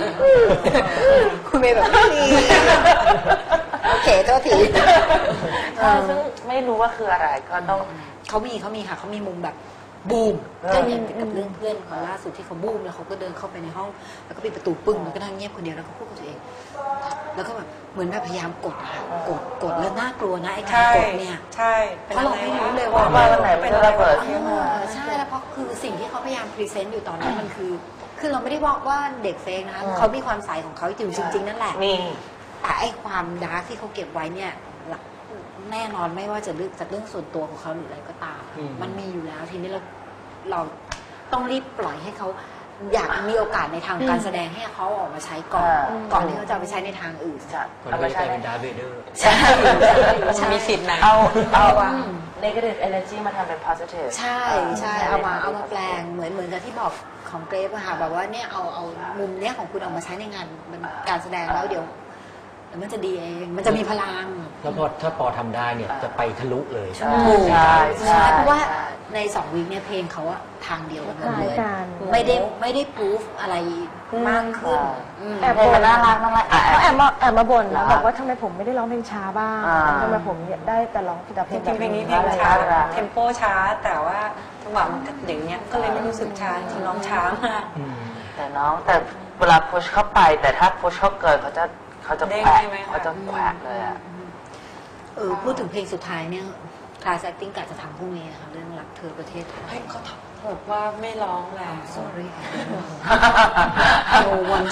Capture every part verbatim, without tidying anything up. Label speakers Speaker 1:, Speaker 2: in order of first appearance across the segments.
Speaker 1: คุณเมย์แบบนี้โอเคโทษที
Speaker 2: ซึ่งไม่รู้ว่าคืออะไรก็ต้อง
Speaker 1: เขามีเขามีค่ะเขามีมุมแบบบูมก็อย่างกับเรื่องเพื่อนของล่าสุดที่เขาบูมแล้วเขาก็เดินเข้าไปในห้องแล้วก็ปิดประตูปึ้งแล้วก็นั่งเงียบคนเดียวแล้วก็พูดกับตัวเองแล้วก็แบบเหมือนแบบพยายามกดอะกดกดแล้วน่ากลัวนะไอ้การกดเนี่ย
Speaker 3: ใช่
Speaker 1: เพราะเราไม่รู้เลยว่า
Speaker 2: วันไหนเป็นระเบิดขึ้นมา
Speaker 1: ใช่แล้วเพราะคือสิ่งที่เขาพยายามพรีเซนต์อยู่ตอนนั้นมันคือคือเราไม่ได้บอกว่าเด็กเฟกนะคะเขามีความใสของเขาอยู่จริงๆนั่นแหละแต่ไอ้ความดาร์กที่เขาเก็บไว้เนี่ยแน่นอนไม่ว่าจะเรื่องจากเรื่องส่วนตัวของเขาหรืออะไรก็ตามมันมีอยู่แล้วทีนี้เราเราต้องรีบปล่อยให้เขาอยากมีโอกาสในทางการแสดงให้เขาออกมาใช้ก่อนก่อนที่เขาจะไปใช้ในทางอื่น
Speaker 4: เอาไปใช้เป็นดาร์ธเวเดอร์
Speaker 1: ใช่
Speaker 3: มีสิทธิ์นะ
Speaker 2: เอาเอา negative energy มาทำเป็น positive
Speaker 1: ใช่ใช่เอามาเอามาแปลงเหมือนเหมือนกับที่บอกของเกรฟอะค่ะแบบว่าเนี่ยเอาเอามุมเนี้ยของคุณออกมาใช้ในงานการแสดงแล้วเดี๋ยวมันจะดีเองมันจะมีพลัง
Speaker 4: แล้วพอถ้าปอทำได้เนี่ยจะไปทะลุเลย
Speaker 2: ใช่ใช่
Speaker 1: ใช่เพราะว่าในสองวีคเนี่ยเพลงเขาอะทางเดียวกันเลยไม่ได้ไม่ได้พูฟอะไรมากขึ้น
Speaker 2: แอบบ่นน่ารักน่ารัก
Speaker 5: เขาแอบมาแอบมาบ่นแล้วบอกว่าทำไมผมไม่ได้ร้องเพลงช้าบ้างทำไมผมได้แต่ร้องแต่เพลงแบบ
Speaker 3: เพลงนี้เพลงช้าเทมโปช้าแต่ว่าจังหวะมันอย่างเงี้ยก็เลยไม่รู้สึกช้าจริงร้องช้ามาก
Speaker 2: แต่น้องแต่เวลาพุชเข้าไปแต่ถ้าพุชเข้าเกินเขาจะเขาจะแขวะเขาจะแขวะเลยอ่ะ
Speaker 1: เออพูดถึงเพลงสุดท้ายเนี่ยคลาสแอคติ้งกะจะทำพรุ่งนี้นะคะเรื่องรักเธอประเทศไทย
Speaker 3: ให้เขาบอกว่าไม่ร้องแล้ว
Speaker 1: sorry no one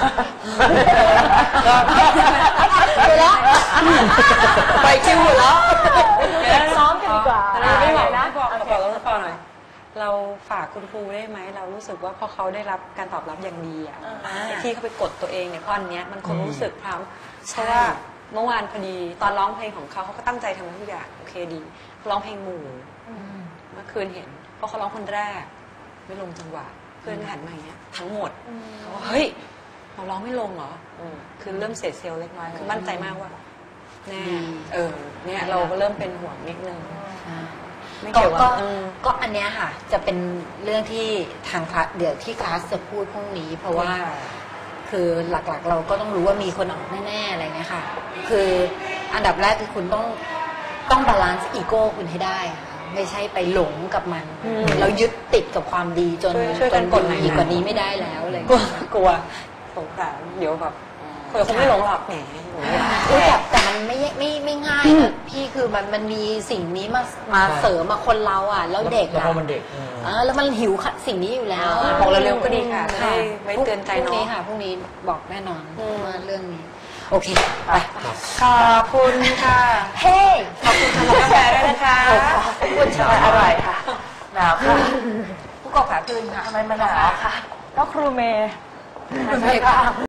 Speaker 5: ไปแล้ว
Speaker 1: ไปคิวแล้ว
Speaker 5: ซ้อมกันดีกว่า
Speaker 3: ไม่บอกนะบอกบอกแล้วพอหน่อยเราฝากคุณครูได้ไหมเรารู้สึกว่าพอเขาได้รับการตอบรับอย่างดีอ่ะที่เขาไปกดตัวเองเนี่ยเพราะอันเนี้ยมันคงรู้สึกพร้อมเพราะว่าเมื่อวานพอดีตอนร้องเพลงของเขาเขาก็ตั้งใจทำทุกอย่างโอเคดีร้องเพลงหมู่เมื่อคืนเห็นเพราะเขาร้องคนแรกไม่ลงจังหวะเพื่อนหันมาอย่างเงี้ยทั้งหมดเขาว่าเฮ้ยเราร้องไม่ลงเหรอคือเริ่มเสียเซลล์เล็กน้อยคือมั่นใจมากว่าแน่เออเนี่ยเราก็เริ่มเป็นห่วงนิดนึง
Speaker 1: ก็ก็ก็อันเนี้ยค่ะจะเป็นเรื่องที่ทางคลาสเดี๋ยวที่คลาสจะพูดพรุ่งนี้เพราะว่าคือหลักๆเราก็ต้องรู้ว่ามีคนออกแน่ๆอะไรเงี้ยค่ะคืออันดับแรกคือคุณต้องต้องบาลานซ์อีโก้คุณให้ได้ค่ะไม่ใช่ไปหลงกับมันเรายึดติดกับความดีจนจนกดอีกกว่านี้ไม่ได้แล้วเลย
Speaker 3: กลัวกลัวสงสารเดี๋ยวแบบคนคงไม่หลงหรอกแหม
Speaker 1: แต่แต่มันไม่ไม่ไม่ง่ายนะพี่คือมันมันมีสิ่งนี้มามาเสริมมาคนเราอ่ะแล้วเด็กอ่ะ
Speaker 4: แล้วมันเด็ก
Speaker 1: อ่าแล้วมันหิวสิ่งนี้อยู่แล้ว
Speaker 3: บอกเร็วๆก็ดีค่ะไม่เตือนใจน้อง
Speaker 1: พรุ่งนี้ค่ะพรุ่งนี้บอกแน่นอนว่าเรื่องนี้โอเคไป
Speaker 3: ขอบคุณค่ะ
Speaker 1: เฮ้
Speaker 3: ขอบคุณสำหรับกาแฟด้วยนะคะ
Speaker 1: ขอบคุณชาอร่อยค่ะ
Speaker 2: หนาวค่ะ
Speaker 1: ผู้กองขาคืนค่ะ
Speaker 2: ทำไมมันหนาวค่ะ
Speaker 5: ก็ครูเมย์
Speaker 1: ครูเมย์ค่ะ